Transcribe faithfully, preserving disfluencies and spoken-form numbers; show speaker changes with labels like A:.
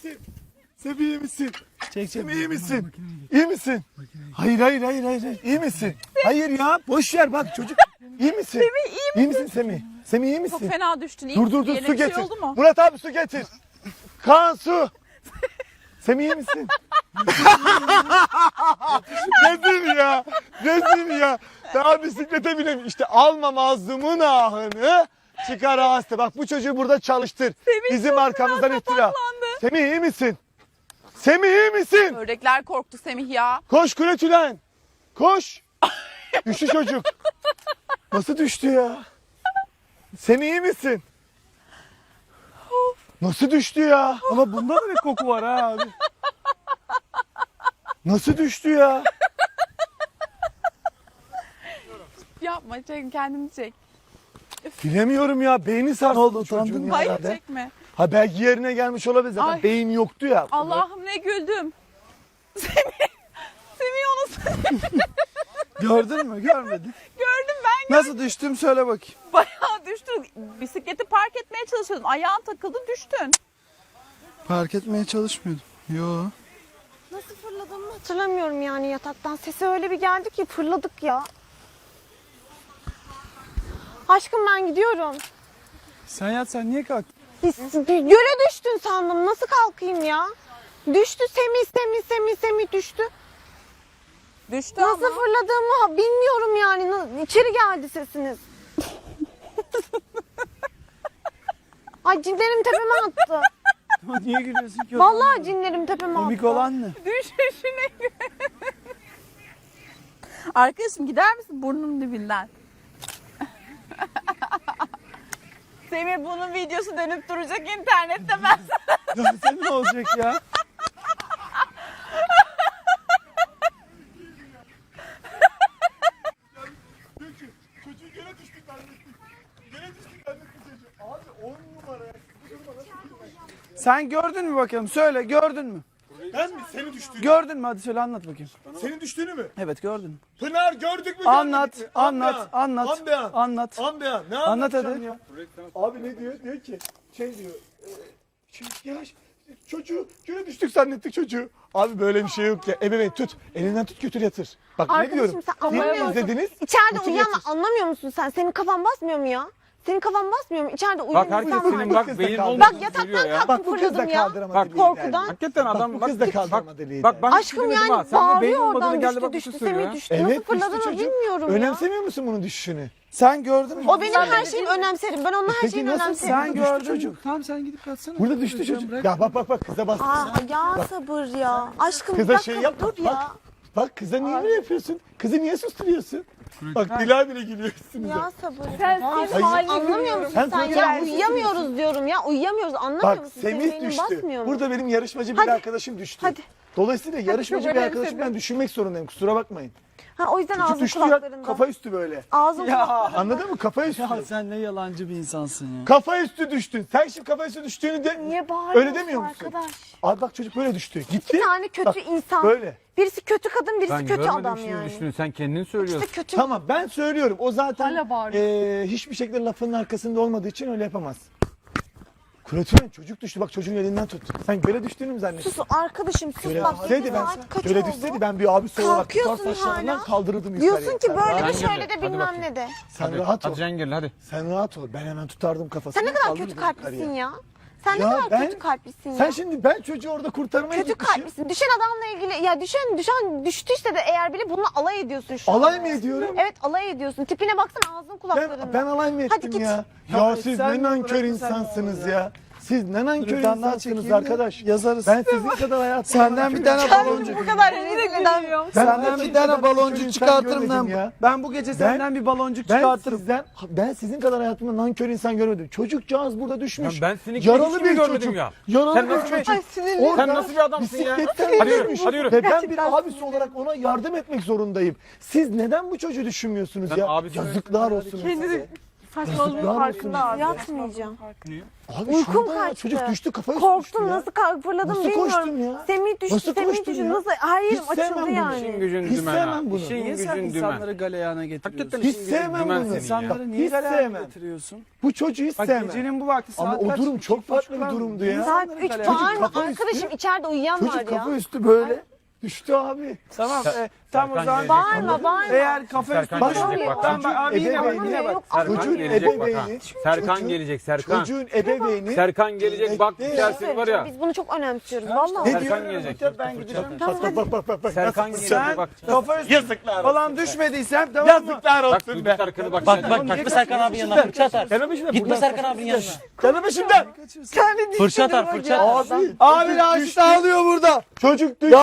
A: misin? Semih iyi misin?
B: Çek çek.
A: Semih iyi misin? İyi misin? Hayır hayır hayır hayır. hayır. İyi misin? Hayır ya boş ver bak çocuk. İyi misin?
C: Semih iyi misin?
A: İyi misin Semih? Semih iyi misin?
C: Çok fena düştün. İyi
A: Dur dur dur
C: Yeni
A: su
C: bir şey
A: getir.
C: oldu mu?
A: Murat abi su getir. Kaan su. Semih iyi misin? Rezil ya. Rezil ya. Daha bisiklete binemiyor. İşte alma mazlumun ahını çıkar hasta. Bak bu çocuğu burada çalıştır.
C: Semih
A: Bizim
C: çok
A: arkamızdan
C: fena
A: iftira.
C: kapaklandı.
A: Semih iyi misin? Semih iyi misin?
C: Ördekler korktu Semih ya.
A: Koş Kuretülen. Koş. Düştü çocuk. Nasıl düştü ya? Semih iyi misin? Nasıl düştü ya?
B: Ama bunda da bir koku var ha abi.
A: Nasıl düştü ya?
C: Yapma çek kendini çek.
A: Bilemiyorum ya. Beyni sarsıldı
B: Ne oldu,
A: çocuğun
B: utandın mı?
A: ya
C: Hayır
A: herhalde.
C: çekme.
A: Ha belki yerine gelmiş olabilir zaten.
C: Ay.
A: Beyin yoktu ya.
C: Allah'ım ne güldüm. Semih. Semih onu
B: Gördün mü? Görmedin.
C: gördüm ben.
B: Nasıl düştüm söyle bakayım.
C: Bayağı düştün. Bisikleti park etmeye çalışıyordun. Ayağın takıldı düştün.
B: Park etmeye çalışmıyordum. Yo.
D: Nasıl fırladığımı hatırlamıyorum yani yataktan. Sesi öyle bir geldi ki fırladık ya. Aşkım ben gidiyorum.
B: Sen yat sen niye kalktın?
D: Göle düştün sandım. Nasıl kalkayım ya? Düştü Semih, Semih, Semih, Semih düştü.
C: Düştü
D: Nasıl
C: ama.
D: fırladığımı bilmiyorum yani. Na- İçeri geldi sesiniz. Ay cinlerim tepeme attı.
B: Ama niye gülüyorsun ki?
D: Vallahi cinlerim tepeme attı.
B: Komik olan ne?
C: Düşüşüne. Arkadaşım gider misin burnunun dibinden? Semih bunun videosu dönüp duracak internette ben sana.
B: Dönse ne olacak ya?
A: Çocuğu gene düştük zannettik. Gene düştük zannettik çocuğu. Abi on numara ya.
B: Sen gördün mü bakalım? Söyle gördün mü?
A: Ben mi? Seni düştüğünü.
B: Gördün mü? Hadi söyle anlat bakayım.
A: Senin düştüğünü mü?
B: Evet gördün mü?
A: Pınar gördük mü?
B: Anlat,
A: görmedik mi? An
B: anlat,
A: be an.
B: anlat,
A: An be an.
B: anlat.
A: An be an. Ne
B: Anlat
A: anlatacağım
B: hadi.
A: ya? Abi ne diyor? Diyor ki şey diyor. E, şey, ya çocuğu göre düştük zannettik çocuğu. Abi böyle bir şey yok ya. Ebeveyn tut. Elinden tut götür yatır. Bak ne
D: Arkadaşım
A: diyorum?
D: sen
A: Film
D: anlamıyor musun?
A: izlediniz.
D: İçeride
A: götür
D: uyuyan
A: yatır.
D: anlamıyor musun sen? Senin kafan basmıyor mu ya? Senin kafan basmıyor mu? İçeride uyuyan
E: Bak herkes
D: insan
E: senin
D: var.
E: bak beyin
A: Bak,
E: olmadığını
D: Bak yataktan
E: söylüyor ya.
D: kalktım
A: Bak bu kız da
D: fırladım ya.
A: kaldıramadı
E: Bak,
A: lideri.
D: korkudan.
E: Hakikaten adam
A: bu
E: bak,
A: kız da
E: bak,
A: kaldıramadı lideri.
E: bak ben
D: Aşkım
E: dedim
D: yani
E: ha, sen de beyin
D: bağırıyor
E: olmadığını
D: oradan
E: geldi
D: düştü
E: bak bir
D: düştü
E: şey söylüyor
D: Semih
E: ya.
D: düştü.
A: Evet
D: Nasıl
A: düştü
D: fırladığını
A: çocuk.
D: bilmiyorum ya.
A: Önemsemiyor musun bunun düşüşünü?
B: Sen gördün mü?
D: O benim her şeyimi önemserim. Ben onun her
A: Peki
D: şeyini
A: nasıl
D: önemserim.
B: Sen
A: Düştü
B: gördün
A: çocuk.
B: mü? Tamam sen gidip yatsana.
A: Burada düştü çocuk. Ya bak bak bak kıza bastı.
D: Aa ya sabır ya. Aşkım
A: Kıza
D: bir dakika
A: şey yapma.
D: dur ya.
A: Bak, bak kıza niye böyle yapıyorsun? Kızı niye susturuyorsun? Bak Dila bile gülüyor üstümüze.
D: Ya sabır.
C: Sen
D: Ay,
C: senin
D: hayır,
C: halini
D: anlamıyor musun
A: Sen
D: sen,
A: zaten
D: ya?
A: halini
D: Uyuyamıyoruz diyorum ya. Uyuyamıyoruz. Anlamıyor
A: Bak
D: musun? Senin
A: Semih
D: beynin
A: düştü.
D: basmıyor mu?
A: Burada benim yarışmacı bir
D: Hadi.
A: arkadaşım düştü.
D: Hadi.
A: Dolayısıyla yarışmacı
C: çok
A: bir arkadaşım
C: önemsedim.
A: ben düşünmek zorundayım. Kusura bakmayın.
D: Ha, o yüzden
A: Çocuk
D: ağzım
A: düştü ya
D: kulaklarında.
A: kafa üstü böyle.
D: Ağzım
B: Ya.
A: Anladın mı? Kafa üstü.
B: Ya sen ne yalancı bir insansın ya.
A: Kafa üstü düştün. Sen şimdi kafa üstü düştüğünü de
D: Niye bağırıyorsun
A: öyle demiyor musun?
D: arkadaş?
A: Abi bak çocuk böyle düştü. Gitti.
D: Bir tane kötü
A: Bak,
D: insan.
A: Böyle.
D: Birisi kötü kadın, birisi
E: Ben
D: kötü
E: görmedim
D: adam
E: şimdi
D: yani.
E: düştüğünü, sen kendin
D: İşte
E: söylüyorsun.
D: kötü.
A: Tamam ben söylüyorum. O zaten
C: Hala bağırıyor.
A: eee, hiçbir şekilde lafının arkasında olmadığı için öyle yapamaz. Kuretülen çocuk düştü. Bak çocuğun elinden tut. Sen göle düştüğünü mü zannettin?
D: Sus arkadaşım sus
A: Göle
D: bak.
A: düşseydi ben,
D: Saat kaç
A: göle
D: oldu?
A: düşseydi ben bir abisi olarak tutar
D: Kalkıyorsun
A: saçlarından
D: hala.
A: kaldırırdım yukarıya.
D: Diyorsun ki
A: Sen
D: böyle
A: rahat-
D: de
E: Sen
D: şöyle
E: gel,
D: de
E: hadi
D: bilmem
E: bakayım.
D: ne de.
A: Sen
E: Hadi,
A: rahat ol.
E: hadi Cengel hadi.
A: Sen rahat ol. Ben hemen tutardım kafasını.
D: Sen ne kadar
A: kaldırırdım
D: kötü kalplisin
A: yukarıya.
D: ya. Sen
A: Ya
D: ne kadar
A: ben-
D: kötü kalplisin ya.
A: Sen şimdi ben çocuğu orada kurtarmaya
D: Kötü
A: gitmişim.
D: kalplisin. Düşen adamla ilgili ya düşen düşen düştüyse de eğer bile bununla alay ediyorsun şu
A: Alay
D: an.
A: mı ediyorum?
D: Evet alay ediyorsun. Tipine baksana ağzın kulaklarında.
A: Ben, ben alay mı
D: Hadi
A: ettim
D: git.
A: ya?
B: Ya
A: Ya
B: et
A: siz
B: sen
A: ne
B: de
A: nankör
B: bırakma sen
A: insansınız
B: de
A: ya. Siz ne nankör
B: Dur, bir tane daha
A: insansınız
B: çekeyim de
A: arkadaş.
B: yazarız.
A: Ben sizin kadar hayatımda...
B: Senden bir tane baloncuk.
C: bu kadar rezil ediyorum.
A: Ben
B: Senden
A: hayatımda
B: bir tane
A: kadar
B: baloncuk
A: nankör
B: çıkartırım
A: insan
B: lan.
A: görmedim ya.
B: Ben bu gece senden bir baloncuk
A: Ben
B: çıkartırım.
A: sizden, ben sizin kadar hayatımda nankör insan görmedim. Çocukcağız burada düşmüş.
E: Ya ben seninkini
A: Yaralı
E: hiç mi
A: bir
E: görmedim
A: çocuk.
E: ya?
A: Yaralı
E: Sen
A: bir
E: nasıl bir-
A: çocuk.
E: Ay,
C: sinirlendim.
E: Sen nasıl bir adamsın ya?
A: Bisikletten
E: Hadi yürü,
A: düşmüş.
E: hadi yürü.
A: Ve ben bir abisi olarak ona yardım etmek zorundayım. Siz neden bu çocuğu düşünmüyorsunuz
E: Ben
A: ya?
E: abisi-
A: Yazıklar olsun
C: Kendini
A: size.
C: Saçmalığın
A: Yazıklar
C: farkında abi.
D: Yatmayacağım.
A: Abi
D: Uykum
A: şurada ya,
D: kaçtı.
A: çocuk düştü kafaya düştü
D: Korktum
A: ya.
D: nasıl kalk fırladım
A: Nasıl
D: bilmiyorum.
A: koştun ya?
D: Semih düştü,
A: Nasıl
D: Semih
A: koştun
D: düştü.
A: ya?
D: Nasıl? Hayır
A: Hiç sevmem
D: açıldı
A: bunu.
D: yani.
E: İşin gücün
A: Hiç
E: dümen
A: sevmem
E: ha.
A: bunu.
E: İşin
B: Niye sen
E: gücün dümen.
B: insanları galeyana getiriyorsun?
E: Hakikaten
A: Hiç
E: işin gücün
A: sevmem
E: dümen
A: bunu.
E: senin ya.
B: İnsanları niye
A: Hiç
B: galeyana
A: sevmem.
B: getiriyorsun?
A: Bu çocuğu hiç
B: Bak
A: sevmem.
B: gecenin bu vakti
A: Ama
B: saat
A: o
B: kaç?
A: durum
B: İki
A: çok
B: buçuk
A: farklı bir
B: falan.
A: durumdu ya.
D: Saat
B: İnsanları
D: üç
B: galeyana
D: bağırma
A: kafa
D: arkadaşım
A: üstü.
D: içeride uyuyan
A: Çocuk
D: var
A: kafa
D: ya.
A: üstü böyle düştü abi.
B: Tamam e, tam o
E: Serkan
B: zaman.
E: gelecek.
D: Bağırma bağırma.
B: Eğer kafa üstü
E: Serkan
A: Bak,
E: gelecek bak.
B: Tamam bak abi yine bak
A: ebeveyni-
B: yine bak.
D: Yok,
E: Serkan
A: Çocuğun
E: gelecek bak ha.
A: ebeveyni.
E: Serkan
A: çocuğun-
E: gelecek Serkan.
A: Çocuğun ebeveyni.
E: Serkan gelecek bak
A: Bekle.
E: dersin var ya.
D: Biz bunu çok önemsiyoruz valla.
A: Ne
E: Serkan
A: diyor?
E: gelecek.
B: Ben gideceğim.
D: Tamam hadi.
A: Bak bak bak bak.
E: Serkan
A: Nasıl-
E: gelecek
B: Sen
E: bak.
B: kafa üstü
A: Yazıklar
B: falan düşmediysen tamam mı?
A: Yazıklar
E: Bak
A: olsun
E: duyduk
A: be.
E: Serkan'ı bak.
F: Bak
E: sen.
F: bak gitme Serkan abinin yanına fırça atar.
A: Canım peşimden.
F: Gitme
A: buradan-
F: Serkan abinin yanına.
A: Canım peşimden.
B: Kendi
F: Fırça atar
B: dişleri
F: fırça
B: bak ya.
F: atar.
A: Abi.
B: Abi
A: çocuk
B: Raşit
A: düştü.
B: ağlıyor burada.
A: Çocuk düştü.